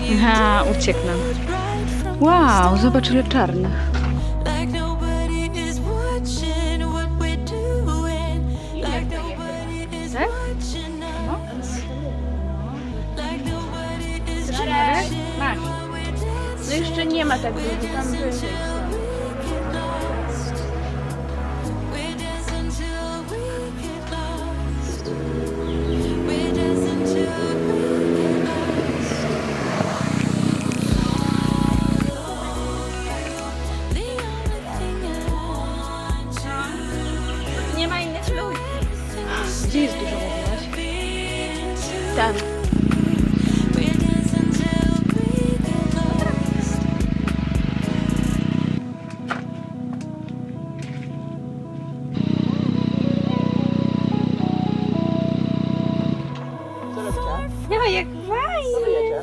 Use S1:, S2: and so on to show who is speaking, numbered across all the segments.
S1: Aha, uciekł nam. Wow, zobacz ile czarnych. Tak? No. Masz.
S2: No jeszcze nie ma tak dużo, tam wyżej. Nie ma innych ludzi.
S1: Gdzie jest dużo, mówiłaś?
S2: Tam. No jak fajnie.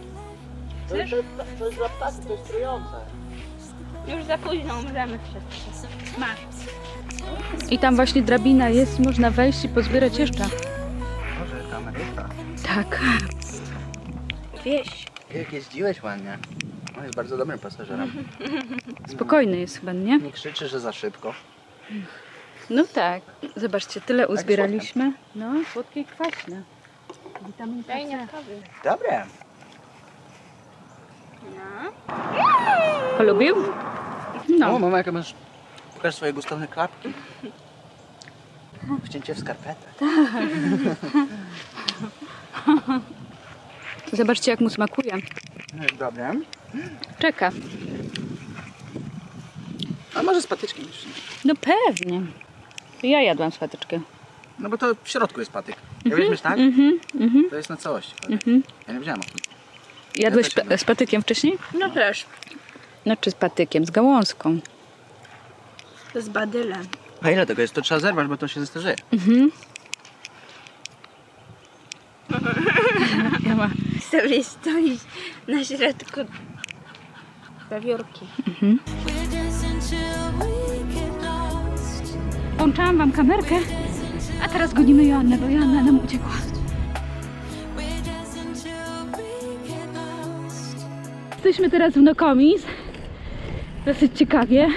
S3: To jest dla ptaków, to jest trujące.
S2: Już za późno umrzemy wszyscy. Masz.
S1: I tam właśnie drabina jest, można wejść i pozbierać jeszcze.
S3: Może kamerysta.
S1: Tak.
S2: Wieś.
S3: Jak jeździłeś ładnie. On jest bardzo dobrym pasażerem.
S1: Spokojny jest chyba, nie?
S3: Nie krzyczy, że za szybko.
S1: No tak. Zobaczcie, tyle uzbieraliśmy. No, słodkie i kwaśne. Witamin C.
S3: Dobre.
S1: Polubił?
S3: O,
S1: No.
S3: mama, jaka masz... Pokaż swoje gustowne klapki. Wcięcie w skarpetę.
S1: Zobaczcie, jak mu smakuje.
S3: No jest dobre.
S1: Czeka.
S3: A może z patyczkiem jeszcze?
S1: No pewnie. Ja jadłam swateczkę.
S3: No bo to w środku jest patyk. Ja weźmiesz tak? To jest na całości patyk. Ja nie wziąłem.
S1: Jadłeś
S3: też jadłem.
S1: z patykiem wcześniej?
S2: No też.
S1: No czy z patykiem, z gałązką.
S2: To z badylem.
S3: A ile tego jest? To trzeba zerwać, bo to się zestarzeje.
S1: Ja ma.
S2: Sobie stoisz na środku zawiórki.
S1: Włączałam wam kamerkę, a teraz gonimy Joannę, bo Joanna nam uciekła. Jesteśmy teraz w Nokomis. Dosyć ciekawie.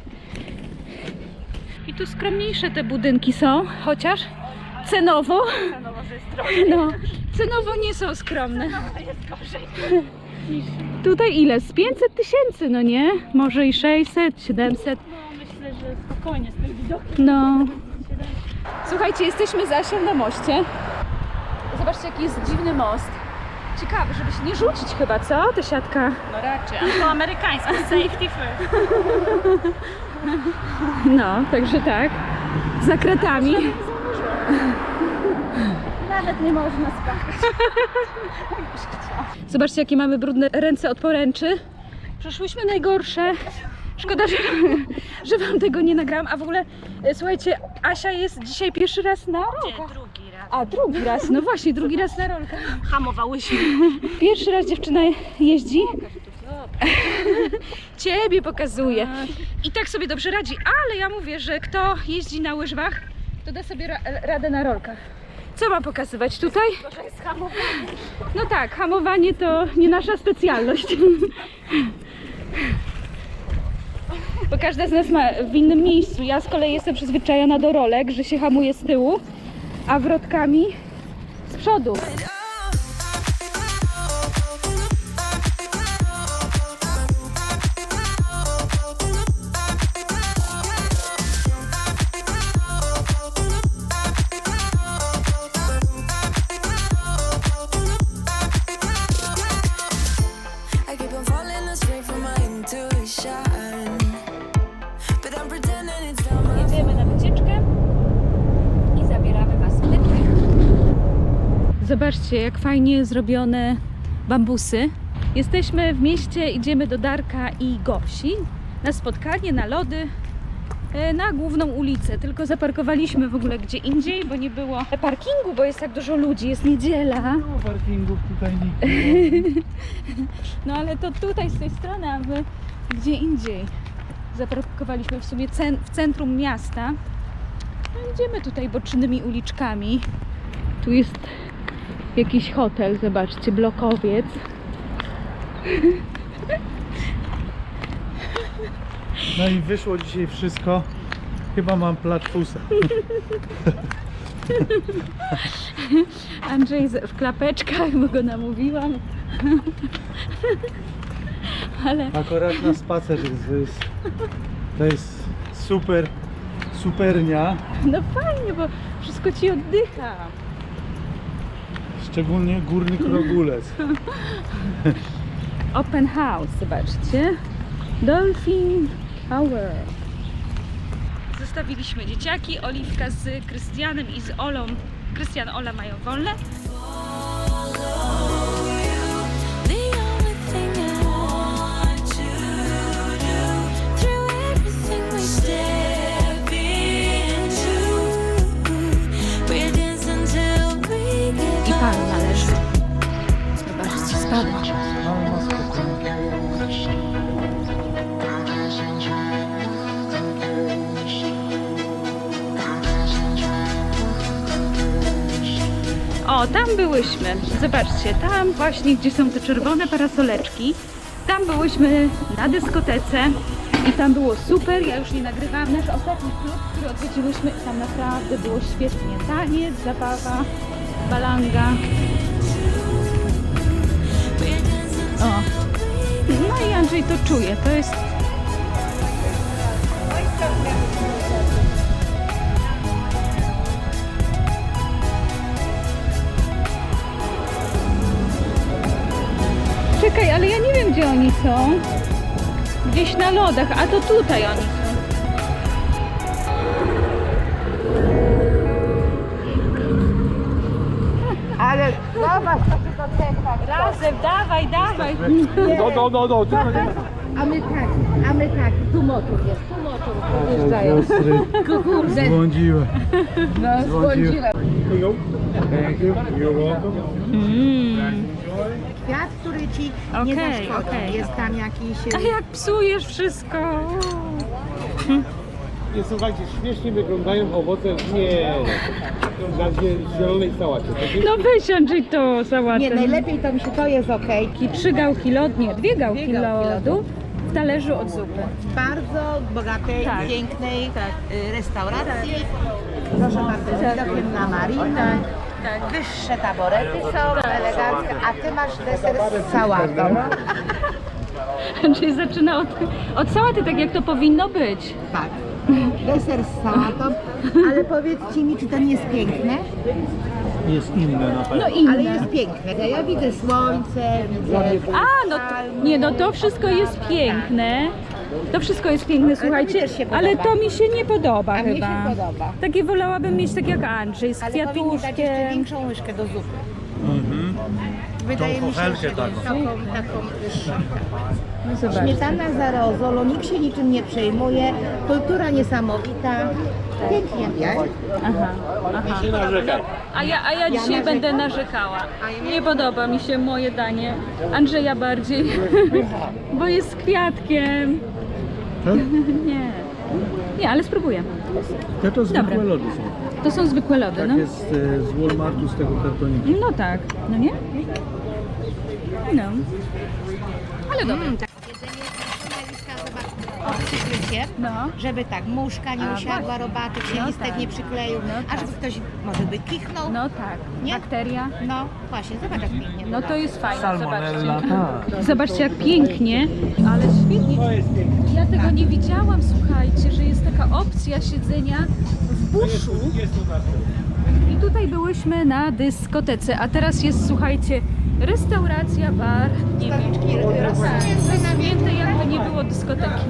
S1: I tu skromniejsze te budynki są, chociaż cenowo. No, cenowo nie są skromne. Tutaj ile? Z 500 000, no nie? Może i 600, 700.
S2: Myślę, że spokojnie z tym widokiem.
S1: No. Słuchajcie, jesteśmy z Asią na moście. Zobaczcie, jaki jest dziwny most. Ciekawy, żeby się nie rzucić chyba, co? Ta siatka.
S2: No raczej, ale to amerykański safety first.
S1: No, także tak. Za kratami.
S2: Nawet nie można spać.
S1: Zobaczcie, jakie mamy brudne ręce od poręczy. Przeszłyśmy najgorsze. Szkoda, że wam tego nie nagrałam. A w ogóle, słuchajcie, Asia jest dzisiaj pierwszy raz na rolkach.
S2: Drugi raz.
S1: A, drugi raz. No właśnie, drugi raz na rolkach.
S2: Hamowałyśmy.
S1: Pierwszy raz dziewczyna jeździ. Ciebie pokazuje. I tak sobie dobrze radzi. Ale ja mówię, że kto jeździ na łyżwach, to da sobie radę na rolkach. Co ma pokazywać tutaj?
S2: To jest hamowanie.
S1: No tak, hamowanie to nie nasza specjalność. Bo każda z nas ma w innym miejscu. Ja z kolei jestem przyzwyczajona do rolek, że się hamuje z tyłu, a wrotkami z przodu.
S4: I keep on falling astray from my intuition, but I'm pretending it's not my
S1: Jedziemy na wycieczkę i zabieramy was w lepiej. Zobaczcie, jak fajnie zrobione bambusy. Jesteśmy w mieście, idziemy do Darka i Gosi na spotkanie, na lody, na główną ulicę. Tylko zaparkowaliśmy w ogóle gdzie indziej, bo nie było parkingu, bo jest tak dużo ludzi, jest niedziela.
S3: No parkingów tutaj nikt.
S1: No ale to tutaj z tej strony, a my gdzie indziej. Zaparkowaliśmy w sumie w centrum miasta. No idziemy tutaj bocznymi uliczkami. Tu jest jakiś hotel, zobaczcie, blokowiec.
S5: No i wyszło dzisiaj wszystko. Chyba mam platfusa.
S1: Andrzej w klapeczkach, bo go namówiłam. Ale
S5: Akurat na spacer to jest super, supernia.
S1: no fajnie, bo wszystko ci oddycha.
S5: Szczególnie górny krogulec.
S1: Open house, zobaczcie. Dolphin Tower. Zostawiliśmy dzieciaki, Oliwka z Krystianem i z Olą. Krystian, Ola mają wolne.
S4: The only thing I want to do through everything we step into, we're dancing till we get
S1: I pan należy. Zobaczcie, spadła.
S5: Ale ma spokój.
S1: O, tam byłyśmy. Zobaczcie, tam właśnie, gdzie są te czerwone parasoleczki. Tam byłyśmy na dyskotece i tam było super. Ja już nie nagrywałam. Nasz ostatni klub, który odwiedziłyśmy, tam naprawdę było świetnie. Taniec, zabawa, balanga. O. No i Andrzej to czuje. To jest... Czekaj, ale ja nie wiem, gdzie oni są. Gdzieś na lodach, a to tutaj oni są.
S2: Ale zobacz, co ty to cecha.
S1: Razem, dawaj, dawaj.
S5: No,
S2: A my tak, tu motor jest, tu motor podjeżdżają.
S5: Siostry
S2: Kurde,
S5: zbłądziły.
S2: no zbłądziłem.
S6: Kwiat, który ci nie
S1: Okej,
S6: zaszkodzi.
S1: okej.
S6: Jest tam jakiś...
S1: A jak psujesz wszystko?
S7: Nie, słuchajcie, śmiesznie wyglądają owoce na zielonej sałacie.
S1: No weź Andrzej to sałatę.
S6: Nie, najlepiej to mi się to jest okej.
S1: I 3 gałki lodu, nie, 2 gałki lodu w talerzu od zupy.
S6: Bardzo bogatej,
S1: Tak.
S6: pięknej restauracji. Proszę bardzo, z widokiem na marinę. Wyższe taborety są, eleganckie, a ty masz deser z sałatą.
S1: Andrzej zaczyna od sałaty, tak jak to powinno być.
S6: Tak. Deser z sałatą, ale powiedzcie mi, czy to nie jest piękne?
S5: Jest inne na pewno.
S1: No inne.
S6: Ale jest piękne. Ja widzę słońce, widzę...
S1: A, no to, nie, no to wszystko jest piękne. To wszystko jest piękne, słuchajcie,
S6: też się
S1: ale
S6: podoba.
S1: to mi się nie podoba
S6: A mnie
S1: chyba.
S6: się podoba.
S1: Takie wolałabym mieć tak jak Andrzej, z
S6: Ale powinni dać jeszcze
S1: kwiatuszkiem.
S6: większą łyżkę do zupy.
S5: Mhm.
S6: Wydaje mi się,
S5: kochelkę
S6: że
S5: taką.
S6: taką wyższą.
S1: No zobacz.
S6: Śmietana za rozolą, nikt się niczym nie przejmuje, kultura niesamowita, pięknie, nie?
S1: Aha, aha. A ja dzisiaj będę narzekała. Nie podoba mi się moje danie. Andrzeja bardziej, bo jest z kwiatkiem.
S5: Tak?
S1: Nie. Nie, ale spróbuję.
S5: To zwykłe
S1: Dobra.
S5: lody są.
S1: To są zwykłe lody,
S5: Tak
S1: no.
S5: jest z Walmartu, z tego kartonika.
S1: No tak, no nie? No. Ale dobra.
S6: Przykrycie,
S1: No.
S6: żeby tak muszka nie
S1: A,
S6: usiadła, robaty, się
S1: No
S6: listek
S1: tak.
S6: nie przykleił,
S1: No
S6: a żeby ktoś może by kichnął.
S1: No tak.
S6: Nie?
S1: Bakteria.
S6: No właśnie, zobacz jak pięknie.
S1: No to jest fajne,
S5: Salmonella,
S1: zobaczcie.
S5: tak.
S1: Zobaczcie jak pięknie, ale świetnie. Ja tego nie widziałam, słuchajcie, że jest taka opcja siedzenia w buszu. I tutaj byłyśmy na dyskotece, a teraz jest, słuchajcie, restauracja, bar, nie wiem, zamknięte, jakby nie było dyskoteki.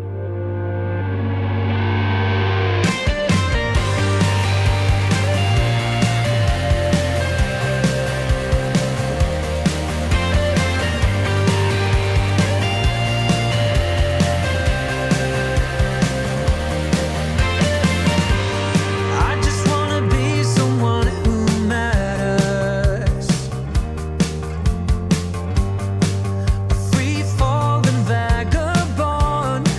S8: I just wanna be someone who matters. A free falling vagabond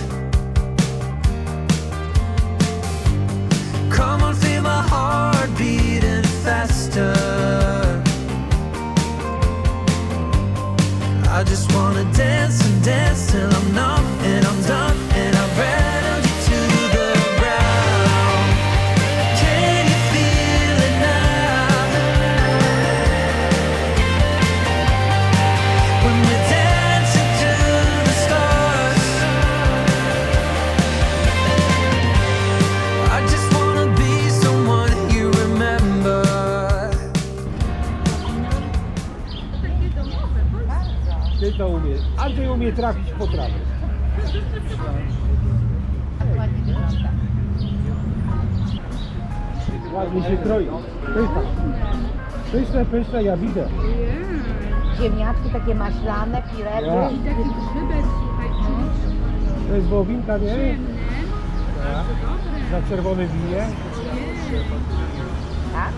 S7: Andrzej umie trafić po trawie.
S6: Ładnie wygląda.
S7: Ładnie się kroi. Pyszne, ja widzę.
S6: Ziemniaczki takie maślane, pirety.
S7: Ja. To jest wołowinka, nie? Tak. Na czerwonym winie.
S6: Tak?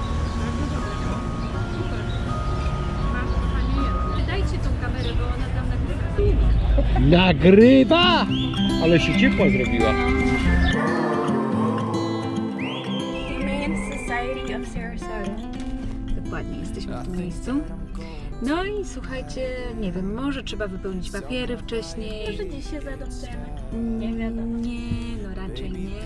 S1: Dajcie tą kamerę, bo ona tam nagrywa.
S7: Nagrywa! Ale się ciepła zrobiła.
S1: Humane Society of Sarasota. Dokładnie, jesteśmy w tym miejscu. No i słuchajcie, nie wiem, może trzeba wypełnić papiery wcześniej. Może dziś się zaadoptujemy. Nie wiadomo. Nie, no raczej nie.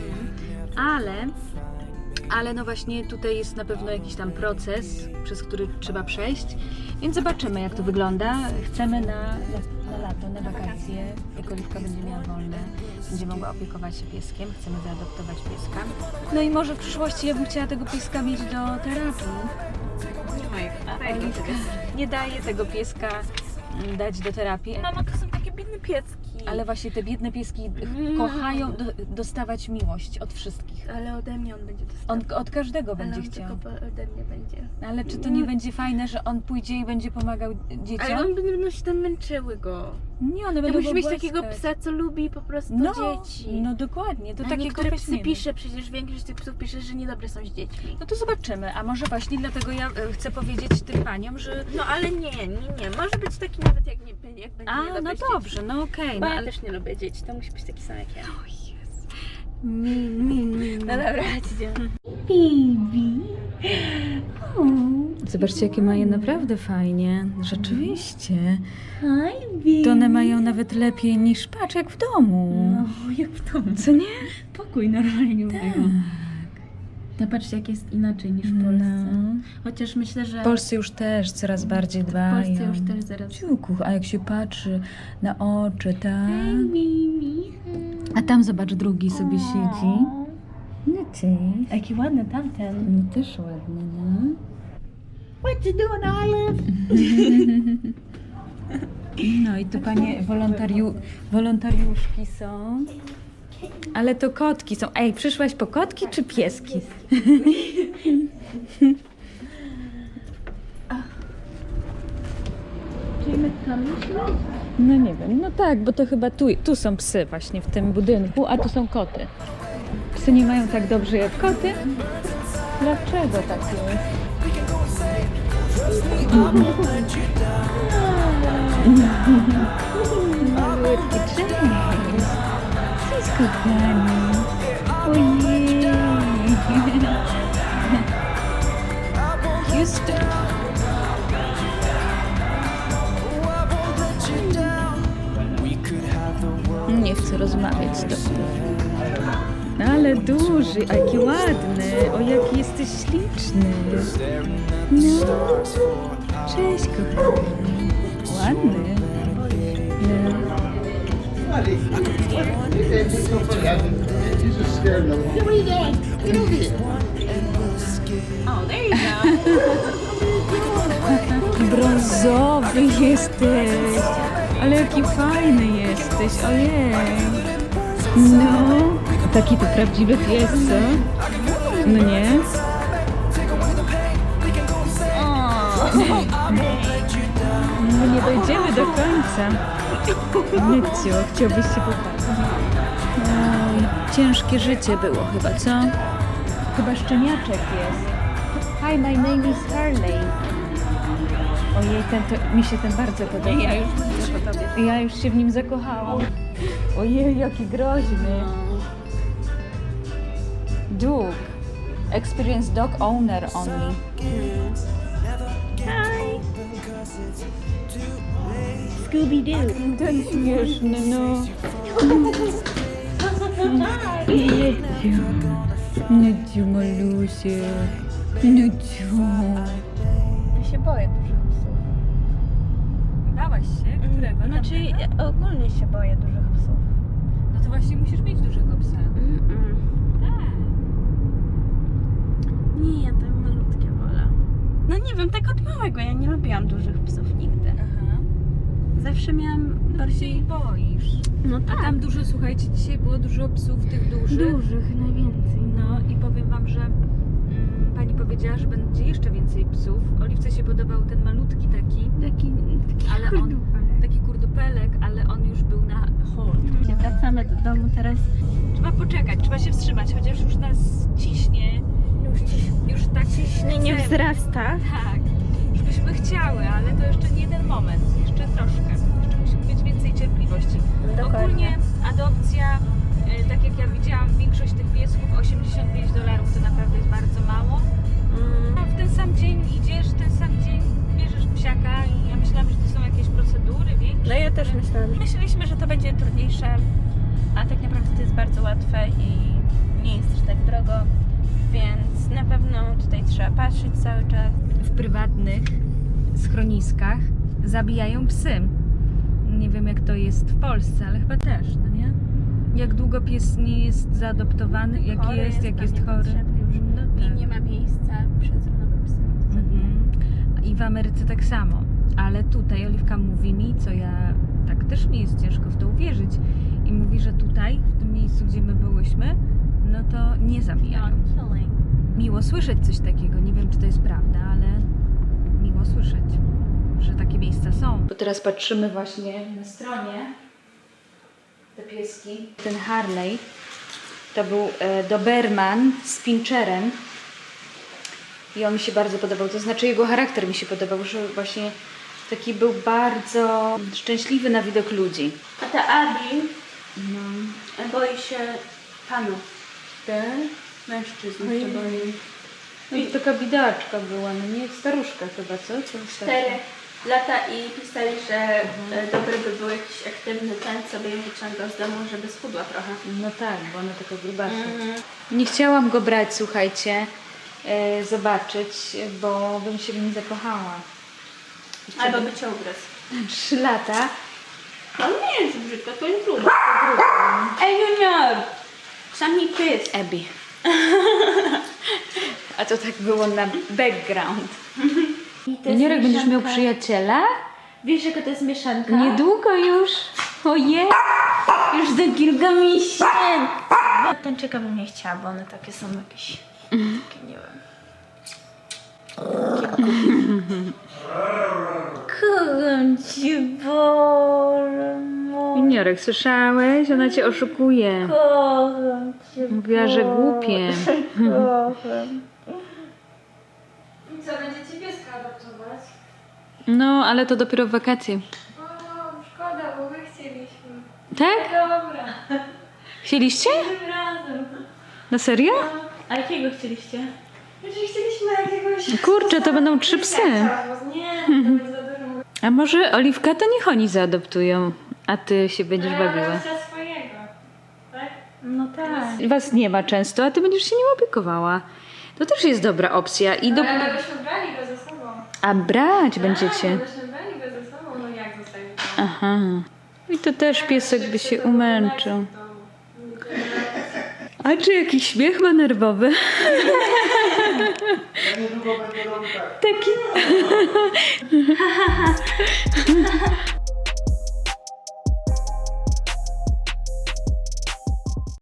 S1: Ale no właśnie tutaj jest na pewno jakiś tam proces, przez który trzeba przejść, więc zobaczymy jak to wygląda. Chcemy na lato, na wakacje, jak Oliwka będzie miała wolne, będzie mogła opiekować się pieskiem, chcemy zaadoptować pieska. No i może w przyszłości ja bym chciała tego pieska mieć do terapii. A Oliwka nie daje tego pieska dać do terapii.
S9: Mama, to są takie biedne piecki.
S1: Ale właśnie te biedne pieski kochają dostawać miłość od wszystkich.
S9: Ale ode mnie on będzie dostał.
S1: On od każdego
S9: Ale
S1: będzie
S9: on
S1: chciał.
S9: tylko ode mnie będzie.
S1: Ale czy to nie będzie fajne, że on pójdzie i będzie pomagał dzieciom?
S9: Ale on będą się tam męczyły go.
S1: Nie, one
S9: To
S1: będą
S9: musi
S1: go
S9: mieć
S1: głaskać.
S9: takiego psa, co lubi po prostu
S1: No,
S9: dzieci.
S1: no dokładnie, to
S9: A
S1: takiego
S9: niektóre psy
S1: weźmiemy.
S9: pisze, przecież większość tych psów pisze, że niedobre są z dziećmi.
S1: No to zobaczymy, a może właśnie dlatego ja chcę powiedzieć tym paniom, że...
S9: No ale nie. Może być taki nawet jak będzie
S1: A,
S9: niedobry
S1: no
S9: z
S1: dobrze,
S9: dziećmi.
S1: no okej,
S9: Bo
S1: no
S9: ja
S1: ale...
S9: też nie lubię dzieci, to musi być taki sam jak ja.
S1: No
S9: No dobra, idziemy.
S1: Zobaczcie, jakie mają naprawdę fajnie. Rzeczywiście. To one mają nawet lepiej niż, patrz, jak w domu.
S9: No, jak w domu.
S1: Co nie?
S9: Pokój normalnie mają.
S1: Tak.
S9: No patrzcie, jak jest inaczej niż w Polsce.
S1: No.
S9: Chociaż myślę, że
S1: W Polsce już też coraz bardziej dbają.
S9: w Polsce już też zaraz.
S1: Ciuku, a jak się patrzy na oczy, tak?
S9: Mimi.
S1: A tam zobacz, drugi sobie siedzi. No cześć.
S9: Jaki ładny tamten.
S1: No też ładny, no.
S6: What you doing, Olive?
S1: No i tu panie wolontariuszki są. Ale to kotki są. Ej, przyszłaś po kotki czy pieski?
S9: Czyli my tam myślimy?
S1: No nie wiem, no tak, bo to chyba tu są psy właśnie w tym budynku, a tu są koty. Psy nie mają tak dobrze jak koty. Dlaczego tak jest? Malutki, cześć! Cześć, kochani! Ojej! Houston! Nie chcę rozmawiać z tobą. Ale duży, a jaki ładny. O, jaki jesteś śliczny. No. Cześć, kochany. Ładny. No. Brązowy jesteś. Ale jaki fajny jesteś. Ojej. No. Taki to prawdziwy pies, co? No nie? No nie dojdziemy do końca. Mycio, chciałbyś się popatrzeć. Oj, ciężkie życie było chyba, co? Chyba szczeniaczek jest. Hi, my name is Harley. Ojej, mi się ten bardzo podoba.
S9: Ja już myślę po tobie.
S1: Ja już się w nim zakochałam. Ojej, jaki groźny. Duke. Experienced dog owner only.
S9: Hi. Scooby-Doo.
S1: Ten śmieszny, no. Neciu. Neciu, malusie. Neciu.
S9: Ja się boję dużych psów.
S1: Bałaś się? Którego?
S9: Znaczy, ja ogólnie się boję dużych psów.
S1: No to właśnie musisz mieć dużego psa. Tak.
S9: Nie, ja tak malutkie wolę. No nie wiem, tak od małego. Ja nie lubiłam dużych psów nigdy.
S1: Aha.
S9: Zawsze miałam
S1: Się
S9: bardziej...
S1: ich boisz.
S9: No
S1: A tam dużo, słuchajcie, dzisiaj było dużo psów tych dużych.
S9: dużych najwięcej.
S1: No i powiem wam, że pani powiedziała, że będzie jeszcze więcej psów. Oliwce się podobał ten malutki taki, ale on, taki kurdupelek, ale on już był na hold.
S9: Wracamy do domu teraz.
S1: Trzeba poczekać, trzeba się wstrzymać, chociaż już nas ciśnie. Już tak
S9: Ciśnienie
S1: chcemy.
S9: wzrasta.
S1: Tak, już byśmy chciały, ale to jeszcze nie ten moment, jeszcze troszkę. Jeszcze musi być więcej cierpliwości. Ogólnie adopcja, tak jak ja widziałam, większość tych piesków, $85 to naprawdę jest bardzo mało. A w ten sam dzień idziesz, w ten sam dzień bierzesz psiaka i ja myślałam, że to są jakieś procedury większe.
S9: No ja też myślałam. Myśleliśmy, że to będzie trudniejsze, a tak naprawdę to jest bardzo łatwe i nie jest też tak drogo, więc na pewno tutaj trzeba patrzeć cały czas.
S1: W prywatnych schroniskach zabijają psy. Nie wiem jak to jest w Polsce, ale chyba też, no nie? Jak długo pies nie jest zaadoptowany, jak jest chory. No
S9: I
S1: tak.
S9: nie ma miejsca przez nowe psy.
S1: I w Ameryce tak samo. Ale tutaj Oliwka mówi mi, co ja tak też mi jest ciężko w to uwierzyć. I mówi, że tutaj, w tym miejscu, gdzie my byłyśmy, no to nie zabijają. Miło słyszeć coś takiego. Nie wiem, czy to jest prawda, ale miło słyszeć, że takie miejsca są. Bo teraz patrzymy właśnie na stronie te pieski. Ten Harley to był Doberman z Pinscherem i on mi się bardzo podobał. To znaczy jego charakter mi się podobał, że właśnie taki był bardzo szczęśliwy na widok ludzi.
S9: A ta Abi boi się panów. Mężczyzn się boi.
S1: No i taka bidaczka była, no nie? Staruszka chyba, co?
S9: 4 lata i pisali, że dobry by był jakiś aktywny ten, co by ją wyciągał z domu, żeby schudła trochę.
S1: No tak, bo ona taka grubasza. Nie chciałam go brać, słuchajcie, zobaczyć, bo bym się w nim zakochała.
S9: Albo by cię ugryzł.
S1: 3 lata.
S9: On nie jest brzydko, to jest grubo. Ej, Junior! Sam mi pies.
S1: Abby. A to tak było na background. Juniorek, będziesz miał przyjaciela?
S9: Wiesz, jaka to jest mieszanka?
S1: Niedługo już. Ojej.
S9: Już do Gilgamisiem. Tańczyka bym nie chciała, bo one takie są jakieś... Takie, nie wiem. Kocham cię, Boże.
S1: Juniorek, słyszałeś? Ona cię oszukuje.
S9: Kocham cię.
S1: Mówiła, że głupie.
S9: Kocham.
S10: Co, będziecie pieska adoptować?
S1: No, ale to dopiero w wakacje.
S10: O, szkoda, bo my chcieliśmy.
S1: Tak?
S10: Dobra,
S1: Chcieliście?
S10: tym razem.
S1: Na serio?
S9: A jakiego chcieliście?
S10: Znaczy chcieliśmy jakiegoś...
S1: Kurczę, to będą 3 psy.
S10: Nie, to będzie za dużo.
S1: A może Oliwka to niech oni zaadoptują, a ty się będziesz bawiła.
S10: Za swojego, tak?
S9: No tak.
S1: Was nie ma często, a ty będziesz się nim opiekowała. To też jest dobra opcja. I do...
S10: Ale byśmy brali go ze sobą.
S1: A brać będziecie.
S10: Byśmy brali go ze sobą, no jak zostawić?
S1: Aha. I to też piesek by się umęczył. A czy jakiś śmiech ma nerwowy?
S7: Ja niedługo będę robił tak.
S1: Taki.